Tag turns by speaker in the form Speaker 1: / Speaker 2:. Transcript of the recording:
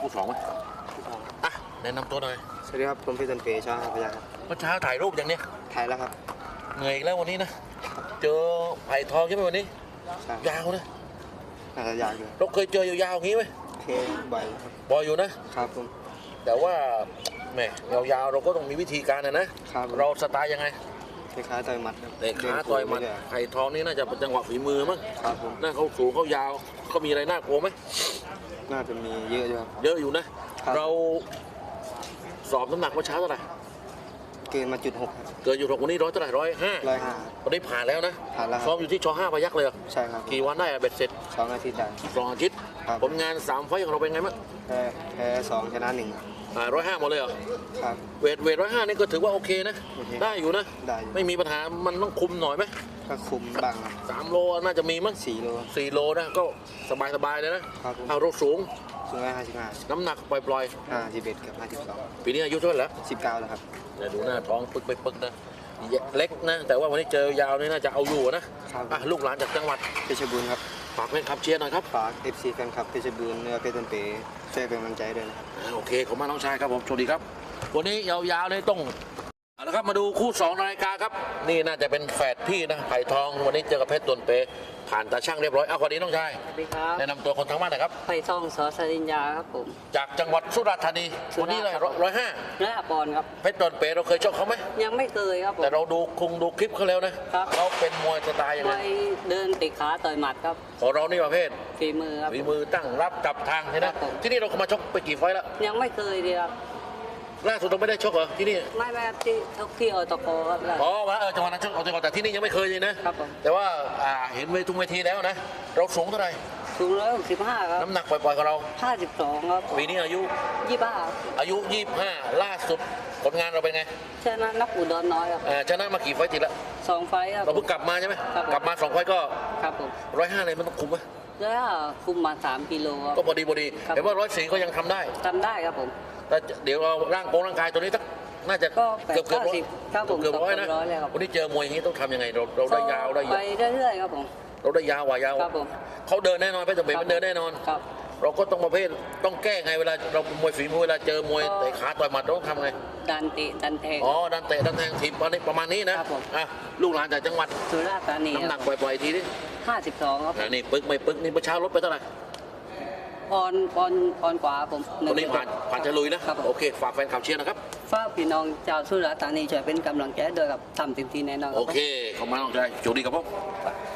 Speaker 1: คู่สองไหมอ่ะแนะนำตัวหน่อย
Speaker 2: สวัสดีครับผมพี่ต้นเป๋ชาพยาครับ
Speaker 1: เมื่อเช้าถ่ายรูปอย่างเนี้ย
Speaker 2: ถ่ายแล้วครับ
Speaker 1: เหนื่อยอีกแล้ววันนี้นะเจอไผ่ทองใช่ไหมวันนี้ยาวนะ
Speaker 2: น่าจะยาวอยู่
Speaker 1: เราเคยเจอยาวๆอย่างนี้ไหม
Speaker 2: เคบ่อยครับ
Speaker 1: บ่อยอยู่นะครับ
Speaker 2: ผม
Speaker 1: แต่ว่าแหมยาวๆเราก็ต้องมีวิธีการนะครับเราสไตล์ยังไง
Speaker 2: คล้ายๆต่อยหมัด
Speaker 1: เตะขาต่อยหมัดไผ่ทองนี่น่าจะเป็นจังหวะฝีมือมั้ง
Speaker 2: ครับผม
Speaker 1: น่าเขาสูงเขายาวเขามีอะไรน่ากลัวไหม
Speaker 2: น่าจะมีเยอะอยู่ครับ
Speaker 1: เยอะอยู่นะเราสอบน้ำหนักเมื่อเช้าเท่าไหร่
Speaker 2: เกินมาจุดหก
Speaker 1: เกินอยู่6วันนี้100เท่าไหร่105วันนี้ผ่านแล้วนะ
Speaker 2: ผ่านแล้ว
Speaker 1: ซ้อมอยู่ที่ช.5 พยัคฆ์เลย
Speaker 2: ใช่ครับ
Speaker 1: กี่วันได้เบ็ดเสร็จ
Speaker 2: 2 อาทิตย์ได้
Speaker 1: 2 อาทิตย์ผลงาน3 ไฟต์ของเราเป็นไงบ้าง
Speaker 2: แพ้2 ชนะ 1
Speaker 1: 105หมดเลยเหรอ
Speaker 2: ครับ
Speaker 1: เวท105นี่ก็ถือว่าโอเคนะได้อยู่นะไม่มีปัญหามันต้องคุมหน่อยไหม
Speaker 2: ก็คุมบ้าง
Speaker 1: 3 โลน่าจะมีมั้ง4 โลนะก็สบายเลยนะเอารถสูง
Speaker 2: 55
Speaker 1: น้ำหนักปล่อย
Speaker 2: 51กับ52
Speaker 1: ปีนี้อายุเท่าไหร่แล้ว
Speaker 2: 19แล้วครับ
Speaker 1: ดูหน้าท้องปึกไปปึกนะเล็กนะแต่ว่าวันนี้เจอยาวนี่น่าจะเอาอยู่นะลูกหลานจากจังหวัด
Speaker 2: เพชรบูรณ์ครับ
Speaker 1: ฝากแฟนคลับเชียร์หน่อยครับ
Speaker 2: ฝาก FC แฟนคลับเพชรบูรณ์เพชรต้นเป๋ช่วยเป็นกำลังใจด้วยนะครับ
Speaker 1: โอเคขอบคุณน้องชายครับผมสวัสดีครับวันนี้ยาวๆเลยต้องเอาละครับมาดูคู่2รายการครับนี่น่าจะเป็นแฝดพี่นะไผ่ทองวันนี้เจอกับเพชรต้นเป๋ผ่านตาช่างเรียบร้อยเอาคนนี้น้องชาย
Speaker 3: สวัสดีครับ
Speaker 1: แนะนำตัวคนทั้งบ้านหน่อยครับ
Speaker 3: ไผ่ทองสอสริญญาครับผม
Speaker 1: จากจังหวัดสุราษฎร์ธานีวันนี้เลย105
Speaker 3: ปอนด์ครับ
Speaker 1: เพชรต้นเป๋เราเคยชกเขาไหม
Speaker 3: ยังไม่เคยครับผม
Speaker 1: แต่เราดูคลิปเขาแล้วนะครับเขาเป็นมวยสไตล์ยังไง
Speaker 3: เดินติดขาต่อยหมัดครับ
Speaker 1: ของเรานี่ประเภท
Speaker 3: ฝีมือครับ
Speaker 1: ฝีมือตั้งรับจับทางใช่ไหมที่นี่เรามาชกไปกี่ไฟแล้ว
Speaker 3: ยังไม่เคยดีครับ
Speaker 1: ล่าสุดเราไม่ได้ชกเหรอที่นี่
Speaker 3: ไม่ที่ชกที่อตกครับ
Speaker 1: อ๋อว่าจังหวัดนั้นชกอตกแต่ที่นี่ยังไม่เคยเลยนะครับแต่ว่าเห็นทุกเวทีแล้วนะเราสูงเท่าไหร่
Speaker 3: สูง165ครับ
Speaker 1: น้ำหนักปล่อยๆของเรา
Speaker 3: 52ครับ
Speaker 1: ปีนี้อายุ
Speaker 3: 25
Speaker 1: อายุ25ล่าสุดผลงานเราเป็นไง
Speaker 3: ชนะนักอุดรน้อยครับ
Speaker 1: ชนะมากี่ไฟต์ติดละ
Speaker 3: 2 ไฟต์ครับ
Speaker 1: เราเพิ่งกลับมาใช่ไหมกลับมา2 ไฟต์ก็
Speaker 3: ครับผม
Speaker 1: 105เลยมันต้องคุมไหม
Speaker 3: แล้วคุมมา3 กิโล
Speaker 1: ก็พอดีเห็นว่า104ก็ยังทำได้
Speaker 3: ครับผม
Speaker 1: แต่เดี๋ยวเราร่างกายตัวนี้น่าจะเกือบ100นะวันนี้เจอมวยอย่างนี้ต้องทำยังไงเราได้ยาวได้
Speaker 3: ไปเรื่อยๆครับผม
Speaker 1: เราได้ยาวเขาเดินแน่นอนเพชรต้นเป๋มันเดินแน่นอนเราก็ต้องประเภทต้องแก้ไงเวลาเรามวยฝีมือเวลาเจอมวยเตะขาต่อยหมัดเราต้องทำไง
Speaker 3: ดันเตะดันแทง
Speaker 1: ดันเตะดันแทงทีมประมาณนี้นะลูกหลานจากจังหวัด
Speaker 3: สุราษฎร์ธานี
Speaker 1: น้ำหนักปล่อยทีนี้
Speaker 3: 52ครับ
Speaker 1: นี่ปึกไม่ปึกนี่เมื่อเช้าลดไปเท่าไหร่
Speaker 3: ปอนกว่าผม
Speaker 1: วันนี้ผ่านจะลุยนะโอเคฝากแฟนข่าวเชียร์นะครับ
Speaker 3: ฝากพี่น้องชาวสุราษฎร์ธานีช่วยเป็นกำลังใจด้วยกับทำเต็มที่แน่นอน
Speaker 1: โอเคขอบคุณมากน้องชายโชคดีครับผม